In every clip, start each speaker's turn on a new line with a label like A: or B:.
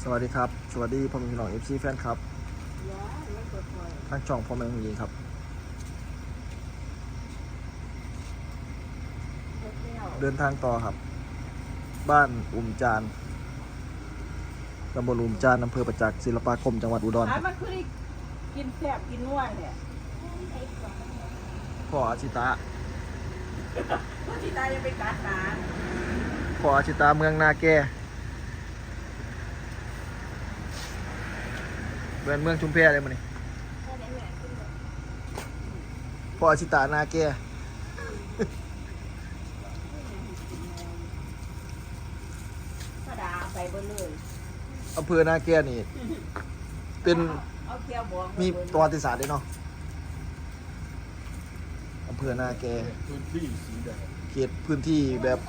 A: วัสดีครับสวัสดีพ่อแม่พี่น้อง FC แฟนครับทั้งช่องพ่อแม่ผู้หญิงครับเดินทางต่อครับบ้านอุ่มจานตำบลอุ่มจานอำเภอประจักษ์ศิลปาคมจังหวัดอุดรครับ
B: มันคือกินแซ่บกินนัวเนี่ย
A: พ่ออาชิตะ
B: ผู้ที่ตายยังไปกัดหนา
A: พ่ออาชิตะเมืองนาแก่เมืองชุมแพเลยมั้ยนี่พ่ออาชิตะนาแก่
B: กระดาใส่เบนเลย
A: อำเภอนาแก่นี่เป็น
B: เอาเคี่ยวบวง
A: มีประวัติศาสตร์ด้วยเนาะอำเภอนาแก
C: พื้นที่สีแดง
A: เขตพื้นที่แบบ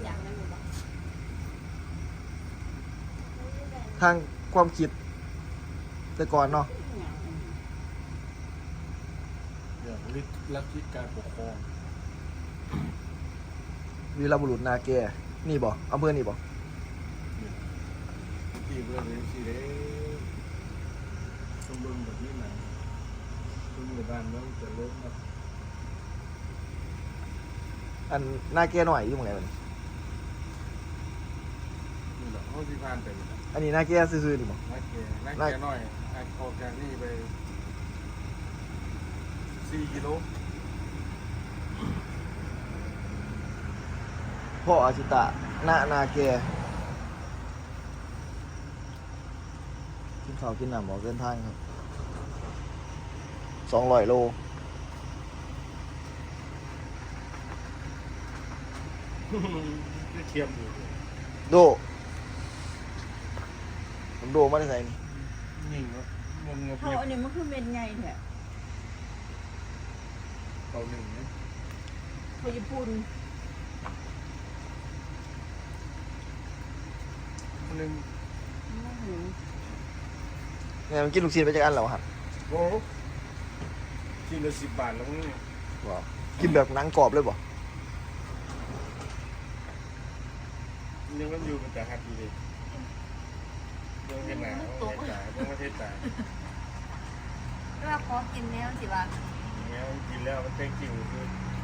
A: ทางความคิดแต่ก่อนเนาะ
C: อย่างลัทธิการปกครอง
A: วีรบุรุษนาแกนี่บ่อำเภอนี่บ่
C: ที่เรื่องนี้สีแดงสมบูรณ์แบบนี้นะสมบูรณ์บ้านเมืองจะล้มนะ
A: อันนาแกหน่อยอยู่หม้องไหนมัน
C: นี่แหละห้องที่ผ่านไปนี่แหละ
A: อันนี้นาแกซื่อๆนี่บ่
C: นักแกน้อยออกจากนี่ไป4 กิโล
A: พ่ออาชิตะนาแกกินข้าวกินน้ำออกเดินทางครับ200 โล
C: เทียมอยู่
A: โดผมโดมาได้ไสนี่
C: ยิ่งเนาะงง
B: เขาอันนี้มันคือเม็ดไงแท้
C: เก่าหนึ่งนะ
B: เขาญี่ปุ่น
C: หนึ่ง
A: เนี่ยมันกินลูกชิ้นไปจักอันแล้วครับ
C: โอ้กินละ10 บาทแล้วนี่
A: ว้าวกินแบบหนังกรอบเลยบ่
C: ยังมันอยู่มันจะหัดอยู่เลยยังเห็นหนาต้องจ่ายต้องมาเทศจ่าย
D: เวลาขอกินเนี่ยสิว่า
C: อย่างเงี้ยกินแล้วมันเต็มจริงคือ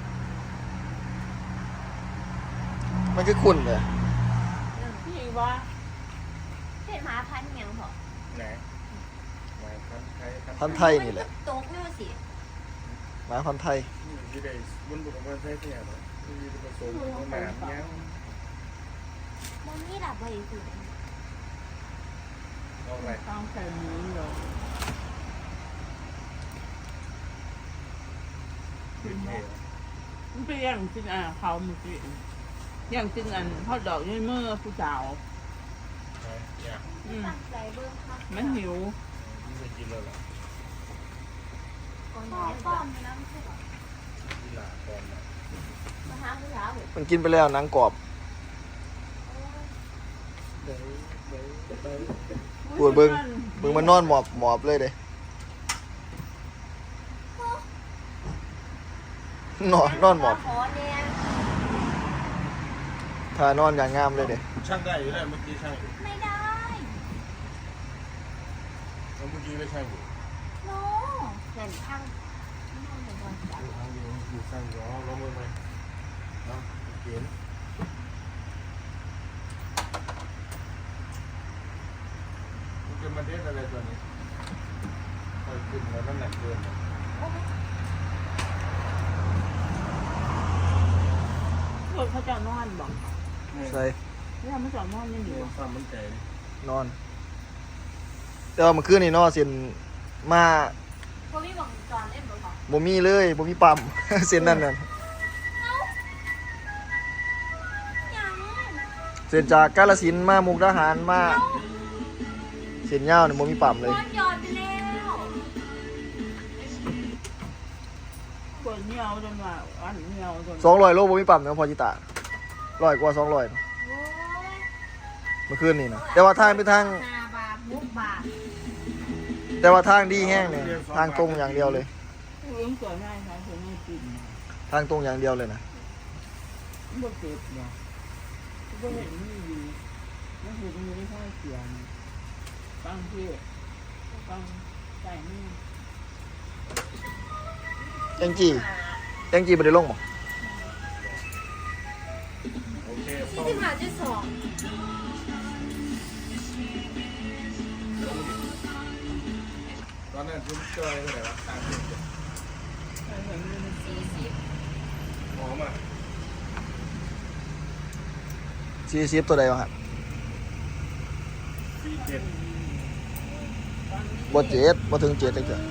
A: มันคือคุณเลย
B: พี่ว่า
D: เห็นหมาพันธุ์ยังเหรอ
C: ไหนหมายพันไทย
A: พันธุ์ไทยนี่แหละ
D: ตกนี่สิ
A: หมาพันธุ์ไทย
C: ที่ได้บนบุกพันไทยเนี่ยเนาะที่มีผสมหนามเงี้ย
D: มันนี่ดับไปสิ
C: เอาอะไร
B: ต้องใส่หมูเหรอ
C: เป็นเท
B: มันเป็นอย่างจริงเขาเมื่อกี้อย่างจริงทอดดอกด้วยมือผู้สาว
C: เนี่ย
D: ตั้งใจเบิ้งค่ะ
B: มันหิว
C: ที่ไปกินแล้วล่ะ
D: ก่อนได้ป้อมน้ำใช่หรอ
C: ที่หลาตอนน่ะ
D: มาหาผู้สาว
A: มันกินไปแล้วหนังกรอบปวดเบิ่งมันนอนหมอบเลยเด้นอนหมอบ
D: ขอเนี่ย
A: ท่านอนอย่างงามเลยเด้
C: ช่างได้อยู่แล้วเมื่อกี้ช่างอยู่
D: ไม่ได้
C: แล้วเมื่อกี้ไม่ช่างอยู่
D: โนเห็นทางนั่นเลยก่อนจ้ะ
C: ทางเดียวอยู่ช่างอยู่อ๋อลงมือไหมเนาะเขียนมันจะมาเทสอะไรตัวนี้คอยขึ้นแล้วน้ำหนักเกิน
B: คนเขาจะนอนบอก
A: ใส่
B: เนี่ยมันจะนอนยังอยู่
C: เรื่องความมั่นใจ
A: นอน แต่ว่าเมื่อคืนนี่เนาะเส้นมา
D: พอพี่บอกจอนเล่นบ่บอก
A: บ่มีเลยบ่มีปั๊ม เส้นนั่นน่ะ
D: ยัง
A: เส้นจากกาฬสินธุ์มามุกดาหารมาเส้นยาวนี่บ่มีปั๊มเลย
D: ย้อนยอดไปแล้ว
B: คนเหี่ยวจนว่าอันเหี่ยวจน
A: 200 โลบ่มีปั๊มนะพอจิตา100 กว่า200
D: โอ้ย
A: เมื่อคืนนี่นะแต่ว่าทางเป็นทาง
D: 5 บาท6 บาท
A: แต่ว่าทางดีแห้งเนี่ยทางตรงอย่างเดียวเลย
B: เรื่องสวยง่ายค่ะสวยง่ายจริง
A: ทางตรงอย่างเดียวเลยนะ
B: บ่เจ็บเนาะบ่เห็นมีอยู่มันคือมันไม่ค่อยเสียงฟังพี่ฟังใส่นี่
A: แองจี้บ่ได้ลงบ่
C: โอเค
D: 45.2
C: ตอนนั้นคุณจอยเท่าไหร่วะ30
B: ใส่แบบนี้
C: หอมอ่ะ
A: 40ตัวใดวะครับ
C: 47
A: บ่เจ็ดบ่ถึง7จังซี่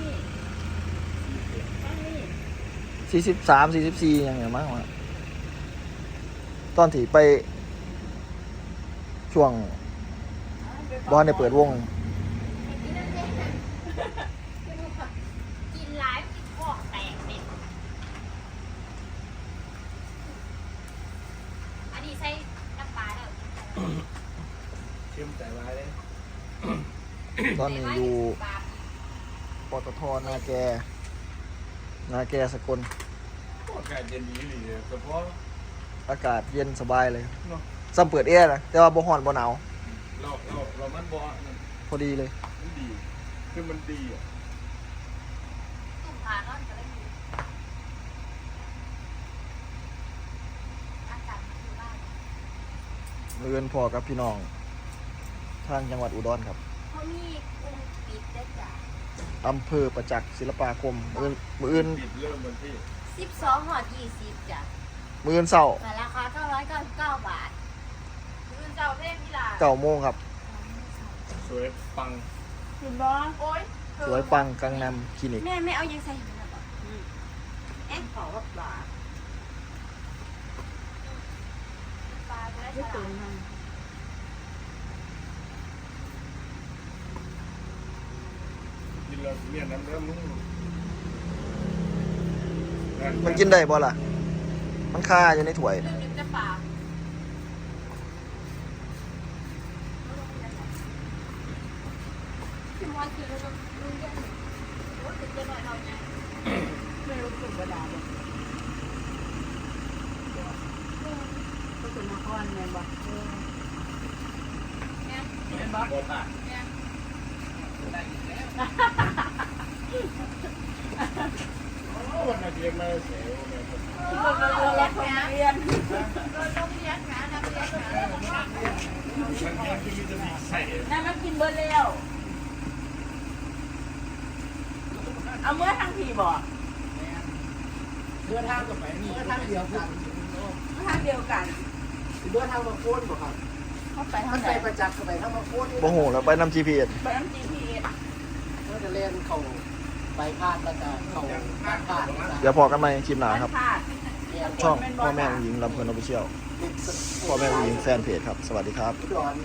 A: 43 44ยังไงมั้งวะตอนที่ไปช่วงบ่ทันได้เปิดวง
D: กินหลายกินคอแตกเนี่ยอันนี้ใส่น้ำปลาแล้ว
C: เข้มแต่ร้ายเลย
A: ตอนนี้อยู่ปตทนาแกสกล
C: อากาศเย็นดีเลยเฉพาะ
A: อากาศเย็นสบายเลย
C: เนาะ
A: ซ้ำเปิดแอร์นะแต่ว่าบ่ร้อนบ่หนาว
C: เรามันบ่นั่น
A: พอดีเลย
C: มันดีคือมันดีอ่ะ
D: ตุ่มผานอนก็ได้อยู่อากาศมันอยู่บ้าน
A: เรือนพอกับพี่น้อง ทางจังหวัดอุดรครับ
D: เขามีกรุงปิดได้จ้ะ
A: อำเภอประจักษ์ศิลปาคมมื้ออื่น
C: ปิดเริ่มวันที่
D: 12หอด20จ้ะ
A: มื้ออื่นเช้า
D: แต่ราคา999 บาทยืนเจ้าเพ่งที่ร้าน
A: 9โมงครับ
C: สวยปัง
B: คุณบ้า
D: โอ๊ย
A: สวยปังกังนำคลินิก
D: แม่ไม่เอายังใส่หินหรอเอ๊ะ
B: ขอว่าปลา
D: ปลาจะได้
B: ไม่
D: ฉ
B: ตื่
D: ลาน ด
B: มัน
C: กินแล้วเนี่ยน้ำเริ่มมึง
A: มันกินได้บ่ล่ะ มันคาอยู่ในถ้วย
D: ลืมจะปลาพี่มอยคือเราลุงเรียนโอ้ยจะหน่อยเราไง
B: ไม่รู้สึกกระดาษเลยก็คือมาก้อนแมนบอก
D: เนี่ย
B: แมนบอก
C: บ่ผ่าน
D: เนี่ย
C: วันอาทิตย์มาเสียวเนี่ย
B: เรารักคนเรียน
D: โดนลมเลี้ยงนะนักเลี้ยงนะ
C: มันยังที่มีจะมีใส่
B: นั่นมันกินเบอร์เร็วเอาเมื่อทางผีบอก
E: เดินทางกับไปเดินทางเดียวกัน
B: ทางเดียวกัน
E: เดินทางมาโค่นบ่ครับ
B: เขาไปทา
E: มั
B: ง
E: น
B: ไหน
E: ไปประจักษ์กับไปทางมาโค่น
A: บ่ฮู้แล้วไปนำ GPS
B: ไปน้ำ GPS
E: ก็จะเล่นเข่าไปพาดแล้วก็เข่าพาดนะ
A: เดี๋ยวพอกันใหม่คลิปหน้าครับ
B: พลาด
A: ช่องพ่อแม่ผู้หญิงลำเพลินออฟฟิเชียลพ่อแม่ผู้หญิงแฟนเพจครับ สวัสดีครับ
E: อุดร